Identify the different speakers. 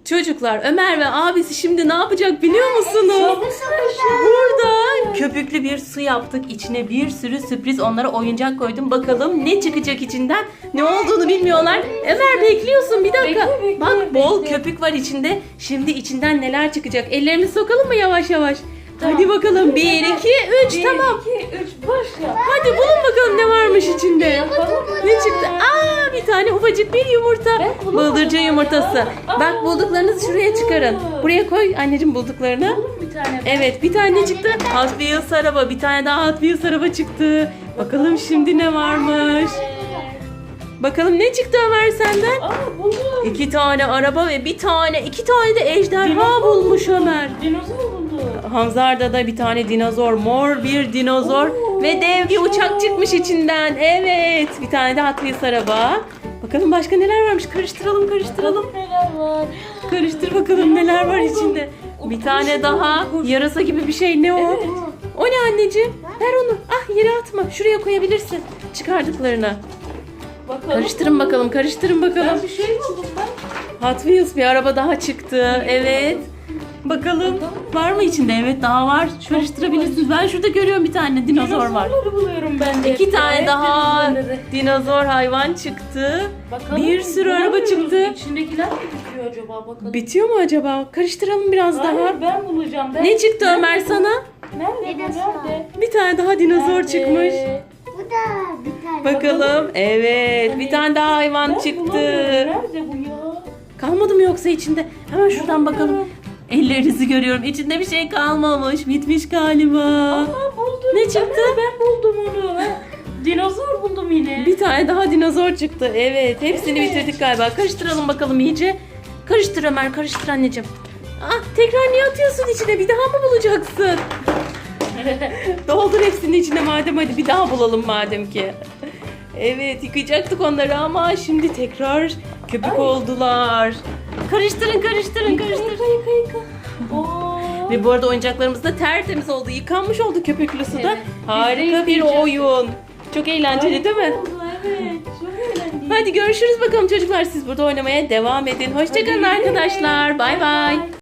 Speaker 1: Çocuklar, Ömer ve abisi şimdi ne yapacak biliyor musunuz? Burada köpüklü bir su yaptık. İçine bir sürü sürpriz onlara oyuncak koydum. Bakalım ne çıkacak içinden? Ne olduğunu bilmiyorlar. Ömer bekliyorsun bir dakika.
Speaker 2: Bekle,
Speaker 1: Bak bol köpük var içinde. Şimdi içinden neler çıkacak? Ellerimizi sokalım mı yavaş yavaş?
Speaker 2: Tamam.
Speaker 1: Hadi bakalım. 1, 2, 3 tamam.
Speaker 2: 1, 2, 3 başla.
Speaker 1: Hadi bulun bakalım ne varmış içinde. Ne çıktı? Aa, bir tane ufacık bir yumurta.
Speaker 2: Ben bulamadım
Speaker 1: Bıldırcın yumurtası.
Speaker 2: hala.
Speaker 1: Bak bulduklarınızı şuraya çıkarın. Buraya koy anneciğim bulduklarını.
Speaker 2: Buldum bir tane.
Speaker 1: Evet bir tane çıktı. Hot Wheels araba. Bir tane daha Hot Wheels araba çıktı. Bakalım şimdi ne varmış. Bakalım ne çıktı Ömer senden?
Speaker 2: Aa buldum.
Speaker 1: 2 tane araba ve iki tane de ejderha bulmuş Ömer.
Speaker 2: Dinozor buldu.
Speaker 1: Hamzar'da da bir tane dinozor, mor bir dinozor
Speaker 2: Oo,
Speaker 1: ve dev bir uçak çıkmış içinden. Evet, bir tane de Hot Wheels araba. Bakalım başka neler varmış. Karıştıralım.
Speaker 2: Neler var?
Speaker 1: Karıştır bakalım neler var içinde. Bir tane daha yarasa gibi bir şey. Ne o?
Speaker 2: Evet.
Speaker 1: O ne anneciğim? Ver onu. Ah yere atma. Şuraya koyabilirsin. Çıkardıklarını.
Speaker 2: Bakalım.
Speaker 1: Karıştırın bakalım.
Speaker 2: Ben bir şey buldum ben.
Speaker 1: Hot Wheels bir araba daha çıktı. Evet. Bakalım var mı içinde? Evet daha var. Karıştırabilirsiniz. Ben şurada görüyorum bir tane dinozor var.
Speaker 2: Dinozorları buluyorum ben de.
Speaker 1: 2 tane
Speaker 2: Evet,
Speaker 1: daha
Speaker 2: dinozorları.
Speaker 1: dinozor hayvan çıktı.
Speaker 2: Bakalım,
Speaker 1: Bir sürü araba
Speaker 2: bulamıyoruz.
Speaker 1: çıktı.
Speaker 2: İçindekiler mi bitiyor acaba bakalım.
Speaker 1: Bitiyor mu acaba? Karıştıralım biraz
Speaker 2: Hayır,
Speaker 1: daha.
Speaker 2: ben bulacağım.
Speaker 1: Ne çıktı Ömer sana?
Speaker 2: Nerede? Nerede?
Speaker 1: Bir tane daha dinozor
Speaker 2: Nerede?
Speaker 1: çıkmış.
Speaker 3: Bu da bir tane.
Speaker 1: Bakalım. Evet, bir tane daha hayvan
Speaker 2: Ben
Speaker 1: çıktı.
Speaker 2: bulamıyorum. Nerede bu ya?
Speaker 1: Kalmadı mı yoksa içinde? Hemen şuradan bakalım.
Speaker 2: Bulamıyorum.
Speaker 1: Ellerinizi görüyorum. İçinde bir şey kalmamış. Bitmiş galiba.
Speaker 2: Aa, buldum.
Speaker 1: Ne çıktı?
Speaker 2: Ben buldum onu. Dinozor buldum yine.
Speaker 1: Bir tane daha dinozor çıktı. Evet, hepsini
Speaker 2: Evet.
Speaker 1: bitirdik galiba. Karıştıralım bakalım iyice. Karıştır Ömer, karıştır anneciğim. Ah, tekrar niye atıyorsun içine? Bir daha mı bulacaksın? Doldur hepsini içine madem, hadi bir daha bulalım madem ki. Evet, yıkayacaktık onları ama şimdi tekrar köpük
Speaker 2: Ay.
Speaker 1: oldular. Karıştırın.
Speaker 2: Yıka. Oo.
Speaker 1: Ve bu arada oyuncaklarımız da tertemiz oldu. Yıkanmış oldu köpüklü suda.
Speaker 2: Evet.
Speaker 1: Harika
Speaker 2: Biz de
Speaker 1: bir
Speaker 2: yıkayacağız.
Speaker 1: oyun. Çok eğlenceli değil mi?
Speaker 2: Oldu, evet. Çok eğlenceli.
Speaker 1: Hadi görüşürüz bakalım çocuklar. Siz burada oynamaya devam edin. Hoşçakalın
Speaker 2: Hadi.
Speaker 1: arkadaşlar. Bay bay.